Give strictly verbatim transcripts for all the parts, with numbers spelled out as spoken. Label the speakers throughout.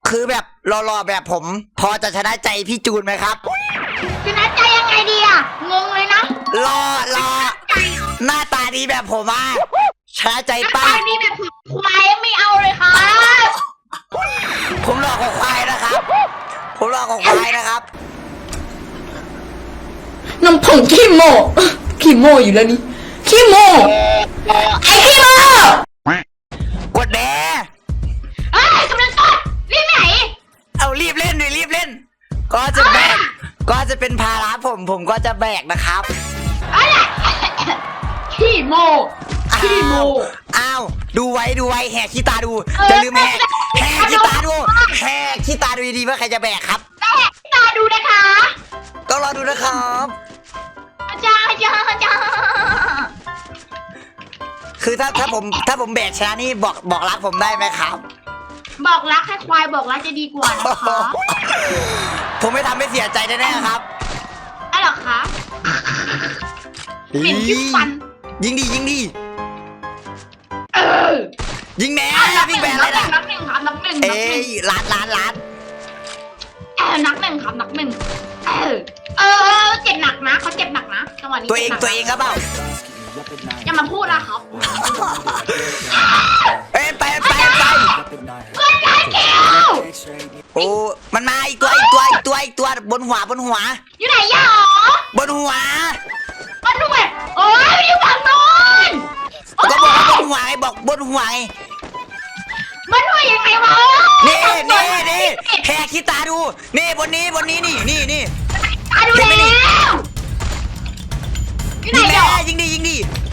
Speaker 1: คือแบบรอๆแบบผม พอจะชนะใจพี่จูนไหมครับ
Speaker 2: ชนะใจยังไงดีอะงงเลยนะ
Speaker 1: รอรอหน้าตาดีแบบผมอ่ะชนะใจป้า
Speaker 2: หน้าตาดีแบบควายไม่เอาเลยครับ
Speaker 1: ผมรอของควายนะครับผมรอของควายนะครับ
Speaker 3: น้ำผงขี้โมขี้โมอยู่แล้วนี่ขี้โมไอ้ขี้โม
Speaker 1: กดแด
Speaker 2: เอ้ยกำลังกดรีบไหน
Speaker 1: เอารีบเล่นดิรีบเล่นก็จะแบกก็จะเป็นภาระผมผมก็จะแบกนะครับ
Speaker 2: อะไรขี้โมขี้โม
Speaker 1: อ้าวดูไว้ดูไว้แหกขี้ตาดูจะลืมแหกแหกขี้ตาดูแหกขี้ตาดูดีๆว่าใครจะแบกครับ
Speaker 2: แหกขี้ตาดูนะคะ
Speaker 1: ต้องรอดูนะครับ
Speaker 2: อาจารย์อาจารย์อาจารย์
Speaker 1: คือถ้าถ้าผมถ้าผมแบกชนะนี่บอกบอกรักผมได้ไหมครับ
Speaker 2: บอกรักให้ควายบอกรักจะดีกว่านะคะ
Speaker 1: ผมไม่ทำให้เสียใจแน่ๆครับ
Speaker 2: อะไรหรอคะเป็นที่ฟัน
Speaker 1: ยิงดียิงดี
Speaker 2: เออ
Speaker 1: ยิงแน่พี่แบนเลยนะ
Speaker 2: นักหนึ่งครับนักหนึ่ง
Speaker 1: เอ้ยล้านล้านล้าน
Speaker 2: เออนักหนึ่งครับนักหนึ่งเออเออเจ็บหนักนะเขาเจ็บหนักนะจังหวะนี้
Speaker 1: ตัวเองตัวเองครับเปล่า
Speaker 2: อย่ามาพูดนะครับ
Speaker 1: เอ้ยไปไปไป
Speaker 2: เพื่อนได้เกี่ยว
Speaker 1: โอ้มันมาอีกตัวอีกตัวอีกตัวอีกตัวบนหัวบนหัว
Speaker 2: อยู่ไหนยะหร
Speaker 1: อบนหัว
Speaker 2: บนหัวโอ้ยอยู่ฝั่งโน้น
Speaker 1: ก็บอกว่าบนหัวไงบอกบนหัวไง
Speaker 2: บนหัวยังไงวะ
Speaker 1: นี่นี่นี่แหกขี้ตาดูนี่บนนี้บนนี้นี่นี่นี่
Speaker 2: ตาดูแล้ว
Speaker 1: ยิงแม่ยิงดียิงดี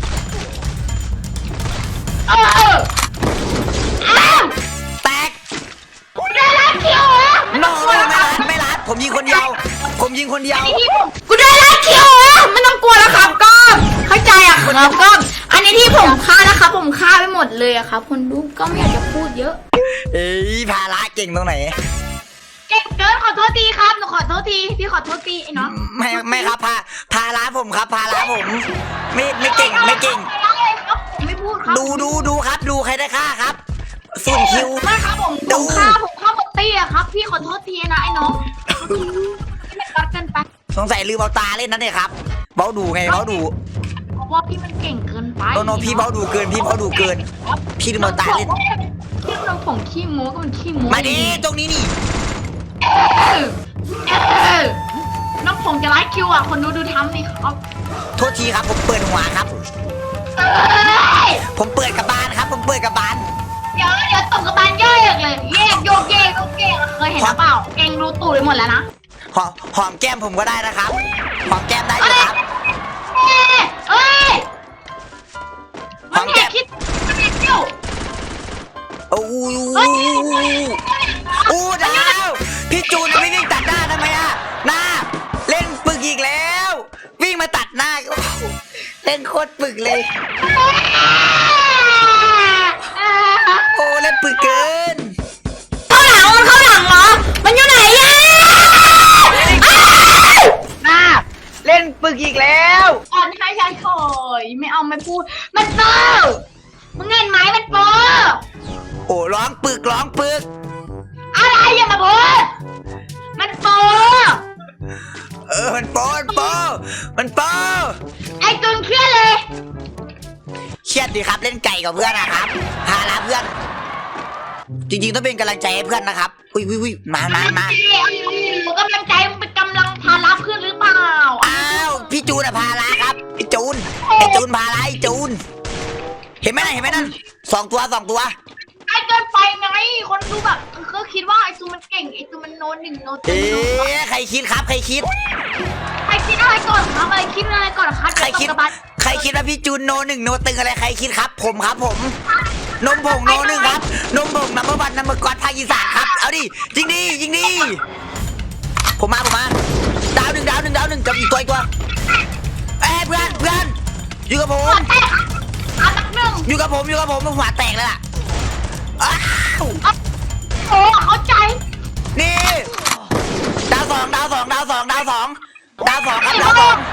Speaker 2: เออเอออ้าว
Speaker 1: แตก
Speaker 2: ได้รัดคิวเหรอ
Speaker 1: โน่ไม่รัดไม่รัดผมยิงคนเดียวผมยิงคนเดียว
Speaker 3: กูได้รัดคิวเหรอไม่ต้องกลัวแล้วครับก้อมเข้าใจอ่ะครับก้อมอันนี้ที่ผมฆ่านะครับผมฆ่าไปหมดเลยอะครับคนดูก็ไม่อยากจะพูดเยอะ
Speaker 1: เอ้ยภาระเก่งตรงไหน
Speaker 2: เก่งเกินขอโทษทีครับหนูขอโทษทีพี่ขอโทษทีไอ้น้อง
Speaker 1: ไม่ไม่ครับพาภาระผมครับภาระผมไม่ไม่เก่งไม่เก่ง
Speaker 2: ไม่พูดครับ
Speaker 1: ดูดูดูครับดูใครได้ฆ่าครับส่วนคิว
Speaker 2: ไม่ครับผมผมฆ่าผมฆ่าหมดตี้อะครับพี่ขอโทษทีนะไอ้น้องไม่รักกันไป
Speaker 1: สงสัยลืมเอาตาเล่นนั่นเองครับเบ้าดูไงเบ้าดู
Speaker 2: เพราะว่าพี่มันเก่งเกินไป
Speaker 1: โนโนพี่เบ้าดูเกินพี่เบ้าดูเกินพี่ลืมเอาตาเล่น
Speaker 2: พี่น้องผมขี้โม้ก็มันขี้โม้
Speaker 1: มาดิตรงนี้นี่
Speaker 2: น้องผมจะไลฟ์คิวอ่ะคนดูดูทำดิครับ
Speaker 1: โทษทีครับผมเปิดหัวครับผมเปิดกระบาลครับผมเปิดกระบาล
Speaker 2: เดี๋ยวเดี๋ยวตกกระบาลย่อยเลยแยกโยกเยกโยกเยกเคยเห็นหรือเปล่าเก่งรู้ตูดไปหมดแล้วนะ
Speaker 1: หอมหอมแก้มผมก็ได้นะครับหอมแก้มได้อยู่ครับ
Speaker 2: เอ้ยหอมแก้มคิดคิว
Speaker 1: โอ้ยโอ้ดาวพี่จูนไม่วิ่งตัดหน้าทำไมอ่ะหน้าเล่นปึกอีกแล้ววิ่งมาตัดหน้าเล่นโคตรปึกเลยโอ้เล่นปึกเกิน
Speaker 3: เข้าหลังมันเข้าหลังเหรอมันอยู่ไหนอ่ะ
Speaker 1: หน้าเล่นปึกอีกแล้ว
Speaker 2: อ่อนให้ใช่ถอยไม่เอาไม่พูดมันเปอร์มึงเงินไหมมันเปอร์
Speaker 1: โอ้ร้องปึกร้องปึก
Speaker 2: อะไรอย่ามาพูดมันโป
Speaker 1: เออมันโปมันโปมันโป
Speaker 2: ไอ้จุนเครียดเลย
Speaker 1: เครียดดิครับเล่นไก่กับเพื่อนนะครับพาลาเพื่อนจริงๆต้องเป็นกำลังใจให้เพื่อนนะครับอุ้ยอุ้ยอุ้ยมามามา
Speaker 2: กำลังใจมันเป็นกำลังพาลาเพื่อนหรือเปล่า
Speaker 1: อ้าวพี่จูนอะพาลาครับไอจูนไอจูนพาลาไอจูนเห็นไหมนะเห็นไหมนั่นสองตัวสองตัว
Speaker 2: ไอ้เกินไปไงคนดูแบบก็คิดว่าไอ้จูมันเก่งไอ้จูมันโนหนึ่งโน
Speaker 1: เอ๊ะใครคิดครับใครคิด
Speaker 2: ใครคิดอะไรก่อนครับอะไรคิดอะไรก่อนครับ
Speaker 1: ใครคิดใครคิดว่าพี่จูนโนหนึ่งโนตึงอะไรใครคิดครับผมครับผมนมผงโนหนึ่งครับนมผงนัมเบอร์วันนัมเบอร์กอดภาคอีสานครับเอาดิจริงดิจริงดิผมมาผมมาดาวหนึ่งดาวหนึ่งดาวหนึ่งกับอีกตัวอีกตัวเอ้เพื่อนเพื่อนอยู่กับผมอยู่กับผมอยู่กับผมมันหัวแตกเลยล่ะอ้าว
Speaker 2: โอ้เข้าใจ
Speaker 1: นี่ดาวสองดาวสองดาวสองดาวสองดาวสองครับดาวสอง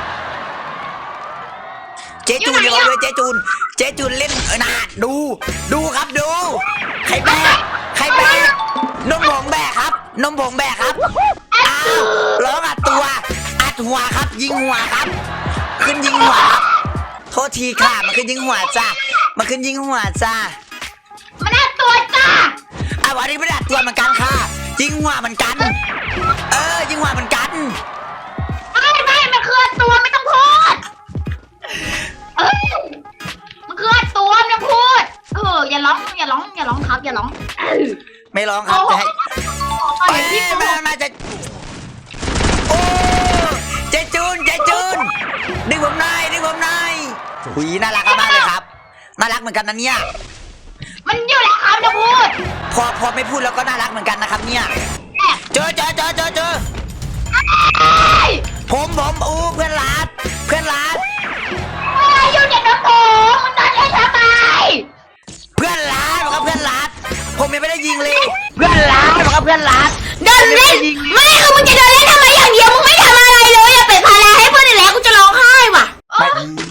Speaker 1: เจจูนอยู่เลยเจจูนเจจูนเล่นเออนาดูดูครับดูใครแบกใครแบกนมผงแบกครับนมผงแบกครับอ้าวร้องอัดตัวอัดหัวครับ ยิงหัวครับ ขึ้นยิงหัวครับโทษทีค่ะมันขึ้นยิงหัวจ้ามันขึ้นยิงหัวจ้า
Speaker 2: มันน่าตัวจ้า
Speaker 1: อ่ะวันนี้ไม่ได้อัดตัวเหมือนกันค่ะยิงหัวเหมือนกัน เออยิงหัวเหมือนกัน
Speaker 2: ไม่ไม่มันคือตัวไม่ต้องพูดเอ้ยมันคือตัวไม่ต้องพูดเอออย่าร้องอย่าร้องอย่าร้องครับอย่าร้องเออ
Speaker 1: ไม่ร้องครับจะให้
Speaker 2: ตอน
Speaker 1: เอ้ย
Speaker 2: นี้พี่
Speaker 1: ไม่
Speaker 2: โก
Speaker 1: มาจะโอ้เจจูนเจจูนดึงผมหน่อยดึงผมหน่อยหุยน่ารักมากเลยครับน่ารักเหมือนกันนะเนี่ย
Speaker 2: มันอยู่แล้วครับจะพูด
Speaker 1: พอพอไม่พูดแล้วก็น่ารักเหมือนกันนะครับเนี่ยเจอเจอเจอเจอเจอ
Speaker 2: เอ้ย
Speaker 1: ผมผมอู้เพื่อนรักเพื่อนรัก
Speaker 2: อะไรอยู่ในน้ำโขงมันตอนนี้ทำไม
Speaker 1: เพื่อนรักบอกว่าเพื่อนรักผมยังไม่ได้ยิงเลย เพื่อนรักบอกว่าเพื่อนรัก
Speaker 3: เดินเล่นไม่คือมึงจะเดินเล่นทำไมอย่างเดียวมึงไม่ทำอะไรเลยอย่าเป็นภาระให้เพื่อนอีกแล้วกูจะร้องไห้ว่ะ
Speaker 1: ไม่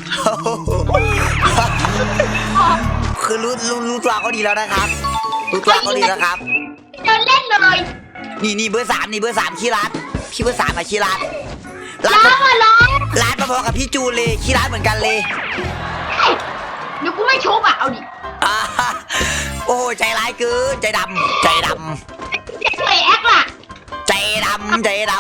Speaker 1: คือรู้รู้รู้ตัวเขาดีแล้วนะครับรู้ตัวเขาดีแล้วครับ
Speaker 2: เดินเล่นเลย
Speaker 1: นี่นี่เบอร์สามนี่เบอร์สามขี้รัดพี่เบอร์สามอะขี้รัดรั
Speaker 2: ร้
Speaker 1: ด
Speaker 2: องอ่ะร้อง
Speaker 1: รัดมาพอกับพี่จูนเลยขี้รัดเหมือนกันเลย
Speaker 2: เดี๋ยวกูไม่ชุบอ่ะเอาดิ
Speaker 1: อ่าโอ้ใจร้ายเกินใจดำใจด
Speaker 2: เด็กเลยแอคล่ะ
Speaker 1: ำใจดำใจด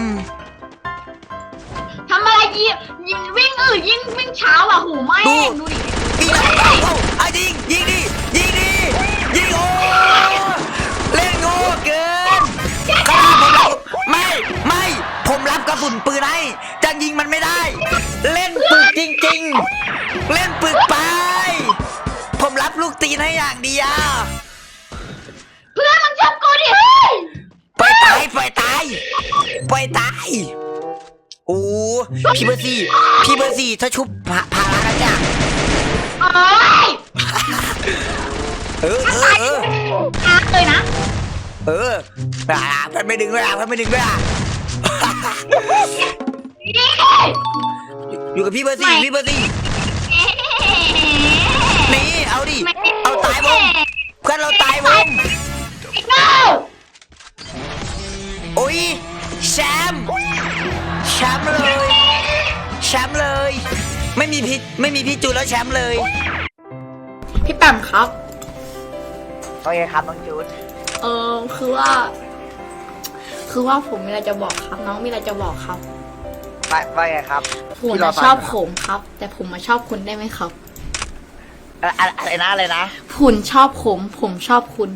Speaker 2: ทำอะไรยิงยิงวิ่งเออยิงวิ่งเช้าอ่ะหูไม่ดูดิ
Speaker 1: ำปีนเอาเอาเอายิงยิงดิยิงดิยิงโอ้เล่นโง่เกินขนาดผมรับไม่ไม่ผมรับกระสุนปืนให้จะยิงมันไม่ได้ เล่นปึกจริงๆ เล่นปึกไป ผมรับลูกตีนให้อย่างเดียว
Speaker 2: เพื่อนมึงชุบกูดิเฮ้ย
Speaker 1: ปล่อยตายปล่อยตายปล่อยตายโอ้พี่เบอร์สี่พี่เบอร์สี่ถ้าชุบพาพารานะจ๊ะ
Speaker 2: เอ้ย
Speaker 1: เออเออเออ
Speaker 2: อาเลยนะ
Speaker 1: เอออ่าเพื่อนไม่ดึงด้วยอ่ะเพื่อนไม่ดึงด้วยอ่ะ
Speaker 2: นี่
Speaker 1: อยู่กับพี่เบอร์สี่พี่เบอร์สี่นี่เอาดิเอาตายวงเพื่อนเราตายวง
Speaker 2: ไอ้เก้า
Speaker 1: โอ้ยแชมป์แชมป์เลยแชมป์เลย ไม่มีพี่ไม่มีพี่จูนแล้วแชมป์เลย
Speaker 3: พี่แปมครับ
Speaker 1: โอเคครับน้องจูน
Speaker 3: เออคือว่า คือว่าผมมีอะไรจะบอกครับ น้องมีอะไรจะบอกครับ
Speaker 1: ว่าว่าไงครับ
Speaker 3: ผมมาชอบผมครับ แต่ผมมาชอบคุณได้ไหมครับ
Speaker 1: อะไรอะไรนะอะไรนะ
Speaker 3: คุณชอบผม ผมชอบคุณ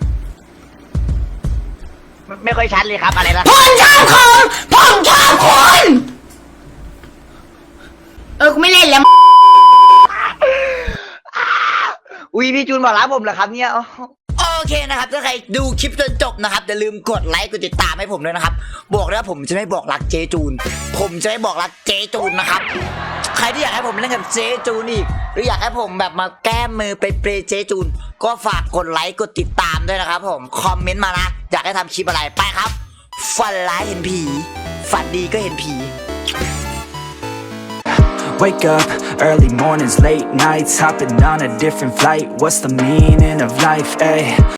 Speaker 1: ไม่ค่อยชัดเลยครับอะไรนะ
Speaker 3: ผมชอบคุณผมชอบคุณเออกูไม่เล่นแล้ว
Speaker 1: อุ้ยพี่จูนบอกรักผมเหรอครับเนี่ยโอเคนะครับถ้าใครดูคลิปจนจบนะครับอย่าลืมกดไลค์กดติดตามให้ผมด้วยนะครับบอกเลยว่าผมจะไม่บอกรักเจจูน ผมจะไม่บอกรักเจจูนนะครับใครที่อยากให้ผมเล่นกับเจจูนอีกหรืออยากให้ผมแบบมาแก้มือไปเปรย์เจจูนก็ฝากกดไลค์กดติดตามด้วยนะครับผมคอมเมนต์มานะอยากให้ทำคลิปอะไรไปครับฝันร้ายเห็นผีฝันดีก็เห็นผี
Speaker 4: Wake up, early mornings, late nights, hopping on a different flight. What's the meaning of life, ayy?